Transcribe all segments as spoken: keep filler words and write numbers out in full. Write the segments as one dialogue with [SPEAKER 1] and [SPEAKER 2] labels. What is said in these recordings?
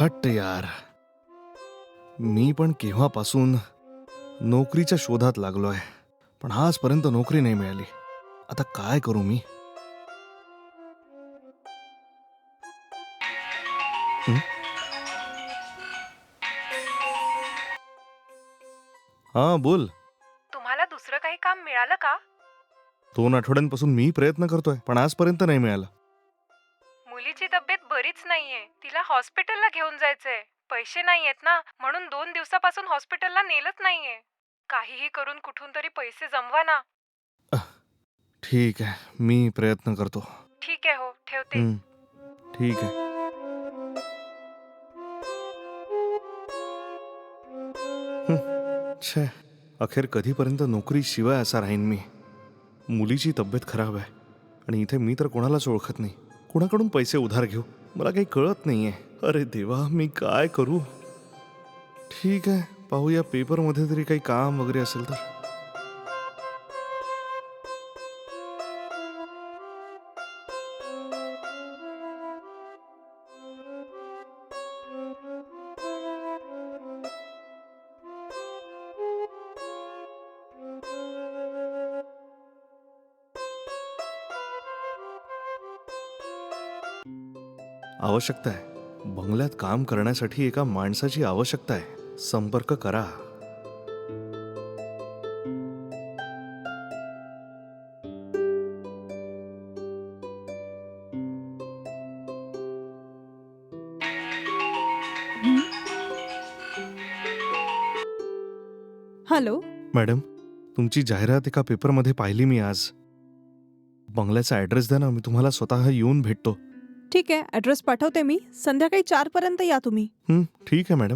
[SPEAKER 1] हट्ट यार, मी पण केव्हापासून नोकरीच्या शोधात लागलोय, पण आजपर्यंत नोकरी नाही मिळाली. आता काय करू मी? हं? हा बोल.
[SPEAKER 2] तुम्हाला दुसरं काही काम मिळालं का?
[SPEAKER 1] दोन आठवड्यांपासून मी प्रयत्न करतोय, पण आजपर्यंत नाही मिळालं.
[SPEAKER 2] मुलीची तब्येत बरीच नाहीये, तिला हॉस्पिटलला घेऊन जायचंय. पैसे नाहीयेत ना, म्हणून दोन दिवसापासून हॉस्पिटलला नेलंच नाहीये. काहीही करून कुठून तरी पैसे जमवा ना.
[SPEAKER 1] ठीक आहे, मी प्रयत्न करतो.
[SPEAKER 2] ठीक आहे, हो ठेवते.
[SPEAKER 1] हं, ठीक आहे. हं, छे, अखेर कधीपर्यंत नोकरी शिवाय असा राहीन मी. मुलीची तब्येत खराब आहे आणि इथे मी तर कोणालाच ओळखत नाही. कोणाकडून पैसे उधार घेऊ मला काही कळत नाहीये. अरे देवा, मी काय करू? ठीक आहे, पाहूया पेपरमध्ये तरी काही काम वगैरे असेल तर. आवश्यकता आहे. बंगल्यात काम करण्यासाठी एका माणसाची आवश्यकता आहे. संपर्क करा.
[SPEAKER 2] हॅलो.
[SPEAKER 1] मॅडम, तुमची जाहिरात एका पेपरमध्ये पाहिली मी आज. बंगल्याचा ॲड्रेस द्या ना, मी तुम्हाला स्वतः येऊन भेटतो.
[SPEAKER 2] ठीक आहे, ऍड्रेस पाठवते मी. संध्याकाळी चार पर्यंत या तुम्ही.
[SPEAKER 1] हं, ठीक आहे मॅडम.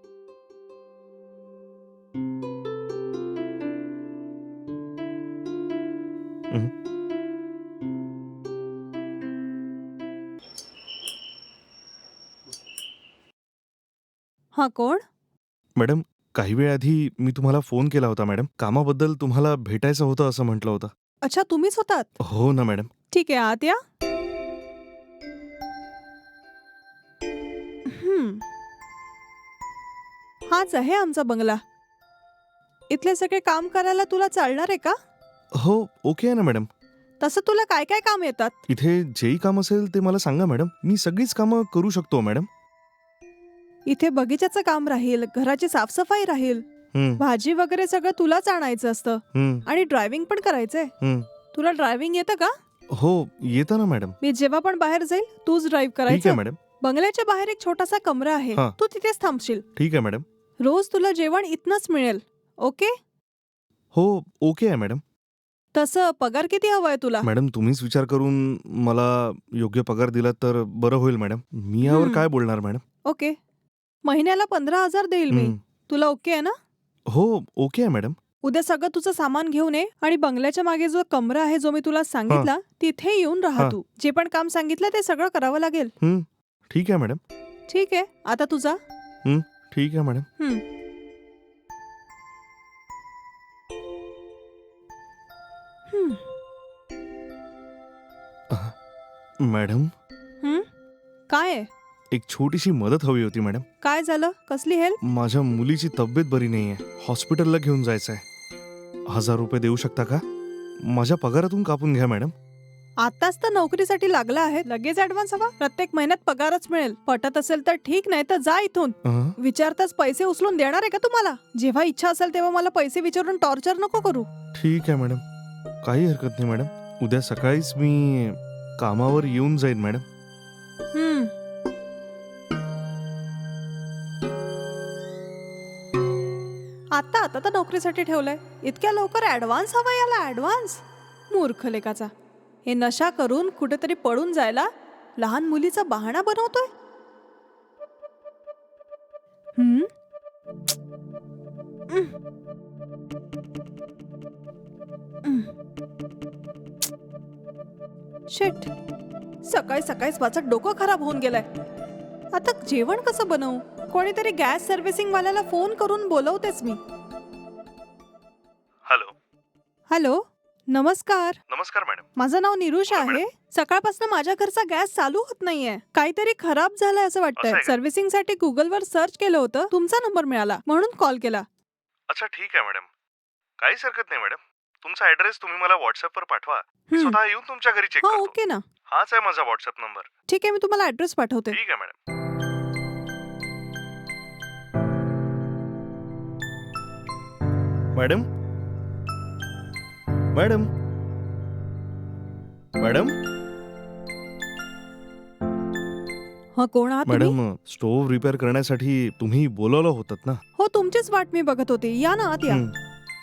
[SPEAKER 1] हं.
[SPEAKER 2] हा कोण?
[SPEAKER 1] मॅडम, काही वेळ आधी मी तुम्हाला फोन केला होता मॅडम. कामाबद्दल तुम्हाला भेटायचं होतं असं म्हटलं होतं.
[SPEAKER 2] अच्छा, तुम्हीच होतात?
[SPEAKER 1] हो ना मॅडम.
[SPEAKER 2] ठीक आहे, आत या. हम्म. हाच आहे आमचा बंगला. इथले सगळे काम करायला तुला चालणार आहे का?
[SPEAKER 1] हो, ओके आहे ना मॅडम.
[SPEAKER 2] तसं तुला काय काय काम येतात?
[SPEAKER 1] इथे जेही काम असेल ते मला सांगा मॅडम. मी सगळीच कामं करू शकतो मॅडम.
[SPEAKER 2] इथे बगीचाचं काम राहील, घराची साफसफाई राहील,
[SPEAKER 1] हं,
[SPEAKER 2] भाजी वगैरे सगळं तुलाच आणायचं असतं
[SPEAKER 1] हं,
[SPEAKER 2] आणि ड्रायव्हिंग पण करायचंय.
[SPEAKER 1] हं.
[SPEAKER 2] तुला ड्रायव्हिंग येतं का?
[SPEAKER 1] हो, येतं ना मॅडम.
[SPEAKER 2] मी जेव्हा पण बाहेर जाईल तूच ड्राईव्ह
[SPEAKER 1] ठीक आहे
[SPEAKER 2] करायचं.
[SPEAKER 1] मॅडम.
[SPEAKER 2] बंगल्याच्या बाहेर एक छोटासा कमरा आहे,
[SPEAKER 1] हा.
[SPEAKER 2] तू तिथेच थांबशील.
[SPEAKER 1] ठीक आहे मॅडम.
[SPEAKER 2] रोज तुला जेवण इथनच मिळेल. ओके?
[SPEAKER 1] हो, ओके आहे मॅडम.
[SPEAKER 2] तसं पगार किती हवाय तुला?
[SPEAKER 1] मॅडम, तुम्हीच विचार करून मला योग्य पगार दिलात तर बरं होईल मॅडम. मी यावर
[SPEAKER 2] हं.
[SPEAKER 1] काय बोलणार मॅडम?
[SPEAKER 2] ओके, महिन्याला पंधरा हजार देईल मी.
[SPEAKER 1] हं.
[SPEAKER 2] तुला ओके आहे ना?
[SPEAKER 1] हो, ओके आहे मॅडम.
[SPEAKER 2] उद्या सगळं तुझं सामान घेऊन ये आणि बंगल्याच्या मागे जो कमरा आहे जो मी तुला सांगितला तिथे येऊन राहा
[SPEAKER 1] हा.
[SPEAKER 2] तू. जे पण काम सांगितलं ते सगळं करावं लागेल.
[SPEAKER 1] हं, ठीक आहे मॅडम.
[SPEAKER 2] ठीक आहे, आता तुझा.
[SPEAKER 1] हं, ठीक आहे मॅडम.
[SPEAKER 2] हं. हं.
[SPEAKER 1] मॅडम,
[SPEAKER 2] हं? काय आहे?
[SPEAKER 1] एक छोटीशी मदत हवी होती मॅडम.
[SPEAKER 2] काय झालं? कसली हेल्प?
[SPEAKER 1] माझ्या मुलीची तब्येत बरी नाहीये. हॉस्पिटलला घेऊन जायचं आहे. हजार रुपये देऊ शकता का? माझ्या पगारातून कापून घ्या मॅडम.
[SPEAKER 2] आताच तर नोकरीसाठी लागला आहे, लगेच ऍडव्हान्स हवा? प्रत्येक महिन्यात पगारच मिळेल. पटत असेल तर ठीक, नाही तर जा इथून.
[SPEAKER 1] अं?
[SPEAKER 2] विचारताच पैसे उचलून देणार आहे का तुम्हाला? जेव्हा इच्छा असेल तेव्हा मला पैसे विचारून टॉर्चर नको करू.
[SPEAKER 1] ठीक आहे मॅडम, काही हरकत नाही मॅडम. उद्या सकाळीच मी कामावर येऊन जाईन मॅडम.
[SPEAKER 2] हं. आता आता तर नोकरीसाठी ठेवलंय, इतक्या लवकर ऍडव्हान्स हवा याला? ऍडव्हान्स? मूर्ख लेकाचा. हे नशा करून कुठेतरी पळून जायला लहान मुलीचा बहाणा बनवतोय. हम्म. शिट, सकाळी सकाळीच माझं डोकं खराब होऊन गेलंय. आता जेवण कसं बनवू? कोणीतरी गॅस सर्व्हिसिंग वाल्याला फोन करून बोलवतेच मी.
[SPEAKER 1] हॅलो.
[SPEAKER 2] हॅलो, नमस्कार.
[SPEAKER 1] नमस्कार मॅडम.
[SPEAKER 2] माझं नाव निरुषा
[SPEAKER 1] बोला,
[SPEAKER 2] आहे. सकाळपासून माझ्या घरचा गॅस चालू होत नाहीये. काहीतरी खराब झालंय असं
[SPEAKER 1] असं
[SPEAKER 2] वाटतंय.
[SPEAKER 1] आहे का?
[SPEAKER 2] सर्व्हिसिंग साठी गुगलवर सर्च केलं होतं, तुमचा नंबर मिळाला म्हणून कॉल केला.
[SPEAKER 1] अच्छा ठीक आहे मॅडम, काहीच हरकत नाही मॅडम. तुमचा ऍड्रेस तुम्ही मला व्हॉट्सअपवर पाठवा. मी
[SPEAKER 2] हं.
[SPEAKER 1] स्वतः येऊन तुमच्या घरी चेक
[SPEAKER 2] हा
[SPEAKER 1] करतो.
[SPEAKER 2] ओके ना.
[SPEAKER 1] हाच आहे माझा व्हॉट्सअप नंबर.
[SPEAKER 2] ठीक आहे, मी तुम्हाला ऍड्रेस पाठवते.
[SPEAKER 1] ठीक आहे मॅडम. मॅडम मॅडम मॅडम
[SPEAKER 2] हा कोण आहात तुम्ही?
[SPEAKER 1] मॅडम स्टोव्ह रिपेअर करण्यासाठी तुम्ही बोलवलं होतं ना?
[SPEAKER 2] हो, तुमचीच वाट मी बघत होती. या ना आत या.
[SPEAKER 1] हं.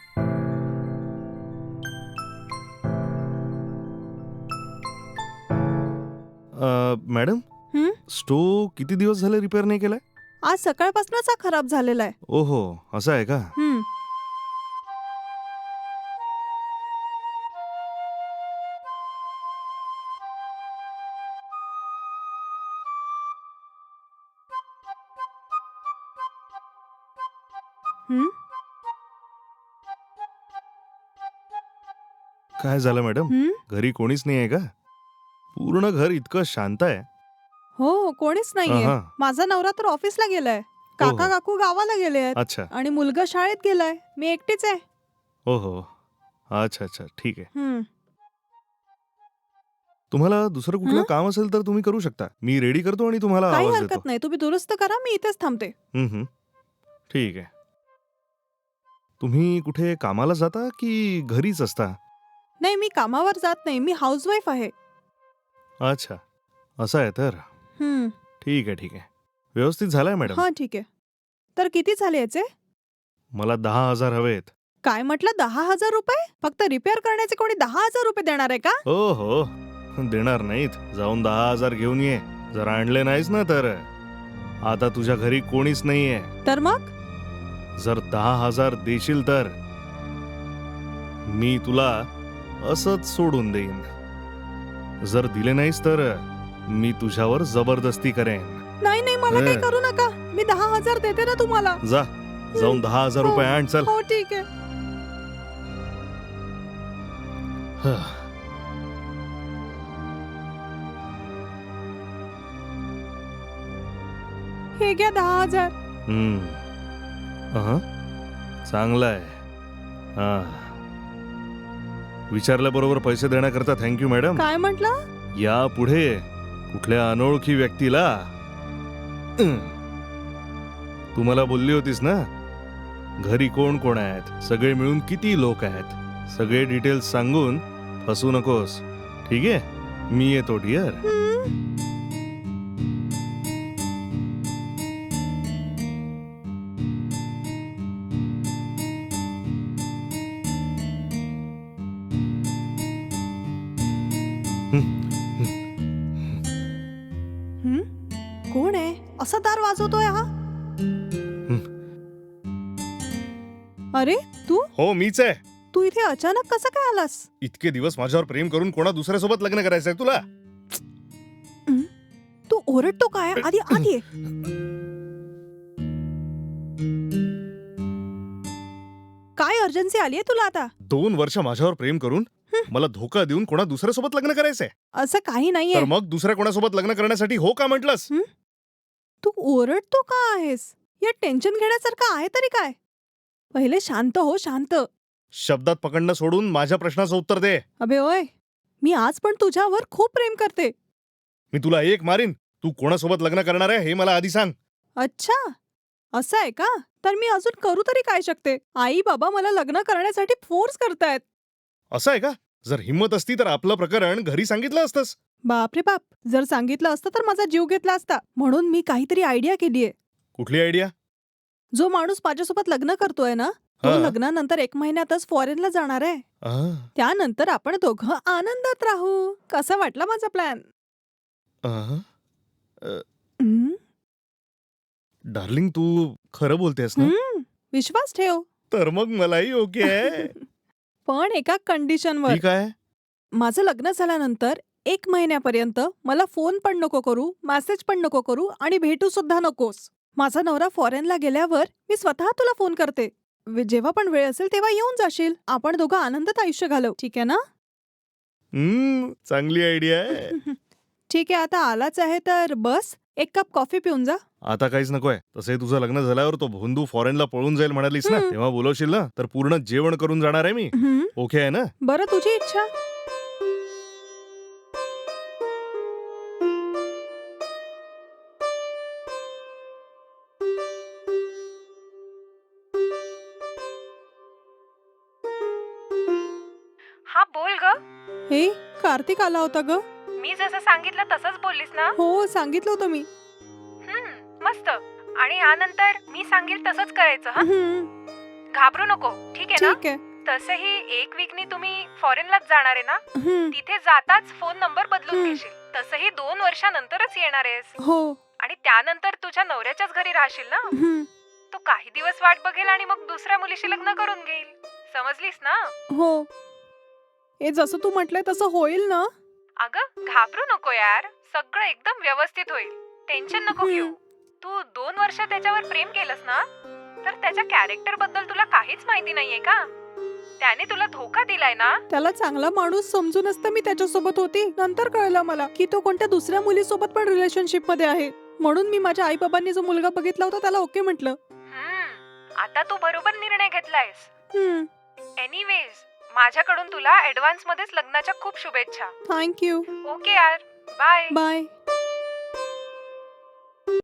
[SPEAKER 1] अ, मॅडम
[SPEAKER 2] हं?
[SPEAKER 1] स्टोव्ह किती दिवस झाले रिपेअर नाही केलाय?
[SPEAKER 2] आज सकाळपासूनच हा खराब झालेला आहे.
[SPEAKER 1] ओहो, असं आहे का?
[SPEAKER 2] हं. हं?
[SPEAKER 1] काय झालं मॅडम?
[SPEAKER 2] हं?
[SPEAKER 1] घरी कोणीच नाही आहे का? पूर्ण घर इतकं शांत आहे.
[SPEAKER 2] हो, कोणीच नाहीये.
[SPEAKER 1] अहा.
[SPEAKER 2] माझा नवरा तर ऑफिसला गेलाय. काका
[SPEAKER 1] हो.
[SPEAKER 2] काकू गावाला गेले आहेत
[SPEAKER 1] अच्छा.
[SPEAKER 2] आणि मुलगा शाळेत गेलाय. मी एकटीच आहे.
[SPEAKER 1] ओहो, अच्छा अच्छा ठीक आहे.
[SPEAKER 2] हं.
[SPEAKER 1] तुम्हाला दुसरं कुठलं
[SPEAKER 2] हं?
[SPEAKER 1] काम असेल तर तुम्ही करू शकता. मी रेडी करतो आणि तुम्हाला
[SPEAKER 2] काही
[SPEAKER 1] आवाज
[SPEAKER 2] हरकत
[SPEAKER 1] देतो.
[SPEAKER 2] नाही. तुम्ही दुरुस्त करा, मी इथेच थांबते.
[SPEAKER 1] हं, हं. ठीक आहे. तुम्ही कुठे कामाला जाता की घरीच असता?
[SPEAKER 2] नाही, मी कामावर जात नाही. मी हाऊसवाईफ आहे.
[SPEAKER 1] अच्छा, असं आहे तर.
[SPEAKER 2] हं.
[SPEAKER 1] ठीक आहे ठीक आहे. व्यवस्थित झालाय मॅडम.
[SPEAKER 2] हा ठीक आहे. तर किती झाले याचे?
[SPEAKER 1] मला दहा हजार हवेत.
[SPEAKER 2] काय म्हटलं, दहा हजार रुपये? फक्त रिपेअर करण्याचे कोणी दहा हजार रुपये देणार आहे का?
[SPEAKER 1] हो हो, देणार नाहीत. जाऊन दहा हजार घेऊन ये. जर आणले नाहीस ना तर आता तुझ्या घरी कोणीच नाहीये.
[SPEAKER 2] तर मग?
[SPEAKER 1] जर दहा हजार देशील तर मी तुला असंच सोडून देईन. जर दिले नाहीस तर मी तुझ्यावर जबरदस्ती करेन.
[SPEAKER 2] नाही नाही, मला
[SPEAKER 1] हं.
[SPEAKER 2] काही करू नका. मी दहा हजार देते ना तुम्हाला.
[SPEAKER 1] जा, जाऊन दहा हजार
[SPEAKER 2] हो.
[SPEAKER 1] रुपये आण चल.
[SPEAKER 2] हो ठीक आहे. हे घ्या दहा हजार.
[SPEAKER 1] हम्म. अहं. चांगलं आहे. हा, विचारल्याबरोबर पैसे देण्याकरता थँक्यू मॅडम.
[SPEAKER 2] काय म्हटलं?
[SPEAKER 1] या पुढे कुठल्या अनोळखी व्यक्तीला तुम्हाला बोलली होतीस ना, घरी कोण कोण आहेत, सगळे मिळून किती लोक आहेत, सगळे डिटेल्स सांगून फसू नकोस. ठीक आहे, मी येतो डिअर.
[SPEAKER 2] हं? हं? कोण आहे? असा दार वाजवतोय हा? अरे तू
[SPEAKER 1] हो, मीच आहे.
[SPEAKER 2] तू इथे अचानक कसं काय आलास?
[SPEAKER 1] इतके दिवस माझ्यावर प्रेम करून कोणा दुसऱ्यासोबत लग्न करायचंय तुला?
[SPEAKER 2] हं? तू ओरडतो काय? आधी आधी ये. काय अर्जन्सी आलीये तुला आता?
[SPEAKER 1] दोन वर्ष माझ्यावर प्रेम करून मला धोका देऊन कोणा दुसऱ्यासोबत लग्न करायचंय?
[SPEAKER 2] असं काही नाहीये.
[SPEAKER 1] तर मग दुसऱ्या कोणासोबत लग्न करण्यासाठी हो का म्हटलंस?
[SPEAKER 2] तू ओरडतो का आहेस? या टेन्शन घेण्यासारखं आहे तरी काय? पहिले शांत हो, शांत.
[SPEAKER 1] शब्दात पकडणं सोडून माझ्या प्रश्नाचं उत्तर दे.
[SPEAKER 2] अबे ओय, मी आज पण तुझ्यावर खूप प्रेम करते.
[SPEAKER 1] मी तुला एक मारीन. तू कोणासोबत लग्न करणार आहे हे मला आधी सांग.
[SPEAKER 2] अच्छा, असं आहे का? तर मी अजून करू तरी काय शकते? आई बाबा मला लग्न करण्यासाठी फोर्स करतायत.
[SPEAKER 1] असं आहे का? जर हिंमत असती तर आपलं प्रकरण घरी सांगितलं असतंस.
[SPEAKER 2] बापरे बाप, जर सांगितलं असतं तर माझा जीव घेतला असता. म्हणून मी काहीतरी आयडिया केलीये.
[SPEAKER 1] कुठली आयडिया?
[SPEAKER 2] जो माणूस माझ्यासोबत लग्न करतोय ना, तो
[SPEAKER 1] हा.
[SPEAKER 2] लग्नानंतर एक महिन्यातच फॉरेनला जाणार आहे.
[SPEAKER 1] आ,
[SPEAKER 2] त्यानंतर आपण दोघं आनंदात राहू. कसा वाटला माझा प्लॅन?
[SPEAKER 1] आ,
[SPEAKER 2] हं?
[SPEAKER 1] डार्लिंग तू खरं बोलतेस ना?
[SPEAKER 2] हं, विश्वास ठेव.
[SPEAKER 1] तर मग मलाही ओके आहे.
[SPEAKER 2] पण एका कंडिशनवर.
[SPEAKER 1] ठीक आहे.
[SPEAKER 2] माझं लग्न झाल्यानंतर एक महिन्यापर्यंत मला फोन पण नको करू, मेसेज पण नको करू आणि भेटू सुद्धा नकोस. माझा नवरा फॉरेनला गेल्यावर मी स्वतः तुला फोन करते. वे- जेव्हा पण वेळ असेल तेव्हा येऊन जाशील. आपण दोघं आनंदात आयुष्य घालवू. ठीक आहे ना?
[SPEAKER 1] हम्म चांगली आयडिया आहे.
[SPEAKER 2] ठीक आहे, आता आलाच आहे तर बस एक कप कॉफी पिऊन जा.
[SPEAKER 1] आता काहीच नकोय. तसंही तुझं लग्न झाल्यावर तो भोंदू फॉरेनला पळून जाईल म्हणालीस ना,
[SPEAKER 2] हम्म.
[SPEAKER 1] तेव्हा बोलवशील ना, तर पूर्ण जेवण करून जाणार आहे मी.
[SPEAKER 2] हम्म,
[SPEAKER 1] ओके आहे ना?
[SPEAKER 2] बरं तुझी इच्छा.
[SPEAKER 3] हा बोल ग.
[SPEAKER 2] हे कार्तिक आला होता ग.
[SPEAKER 3] मी जसं सांगितलं तसंच बोललीस ना.
[SPEAKER 2] हो सांगितलं होतं मी.
[SPEAKER 3] हम्म मस्त. आणि यानंतर मी सांगेल तसंच करायचं. हा
[SPEAKER 2] हम्म,
[SPEAKER 3] घाबरू नको, ठीक आहे ना.
[SPEAKER 2] ठीक आहे.
[SPEAKER 3] तसंही एक वीकनी तुम्ही फॉरेनलाच जाणार आहे ना.
[SPEAKER 2] हम्म,
[SPEAKER 3] तिथे जाताच फोन नंबर बदलून
[SPEAKER 2] हम्म.
[SPEAKER 3] घेशील. तसंही दोन वर्षानंतरच येणार आहेस.
[SPEAKER 2] हो.
[SPEAKER 3] आणि त्यानंतर तुझ्या नवऱ्याच्याच घरी राहशील ना.
[SPEAKER 2] हम्म,
[SPEAKER 3] तो काही दिवस वाट बघेल आणि मग दुसऱ्या मुलीशी लग्न करून घेईल. समजलीस ना.
[SPEAKER 2] हो. हे जसं तू म्हटलंय तसं होईल ना.
[SPEAKER 3] अगं घाबरू नको यार, सगळं एकदम व्यवस्थित होईल. टेन्शन नको
[SPEAKER 2] हम्म.
[SPEAKER 3] घेऊ. तू दोन वर्ष त्याच्यावर प्रेम केलंस ना, तर त्याच्या कॅरेक्टर बद्दल तुला काहीच माहिती नाहीये का. त्याने तुला धोका दिलाय ना.
[SPEAKER 2] त्याला चांगला माणूस समजूनच तर मी त्याच्यासोबत होती. नंतर कळलं मला की तो कोणत्या दुसऱ्या मुलीसोबत पण रिलेशनशिप मध्ये आहे. म्हणून मी माझ्या आई बाबांनी जो मुलगा बघितला होता त्याला ओके म्हटलं.
[SPEAKER 3] हम्म आता तू बरोबर निर्णय घेतलायस.
[SPEAKER 2] हम्म,
[SPEAKER 3] एनिवेज माझ्याकडून तुला ऍडव्हान्स मध्येच लग्नाच्या खूप शुभेच्छा.
[SPEAKER 2] थँक्यू.
[SPEAKER 3] ओके यार, बाय.
[SPEAKER 2] बाय.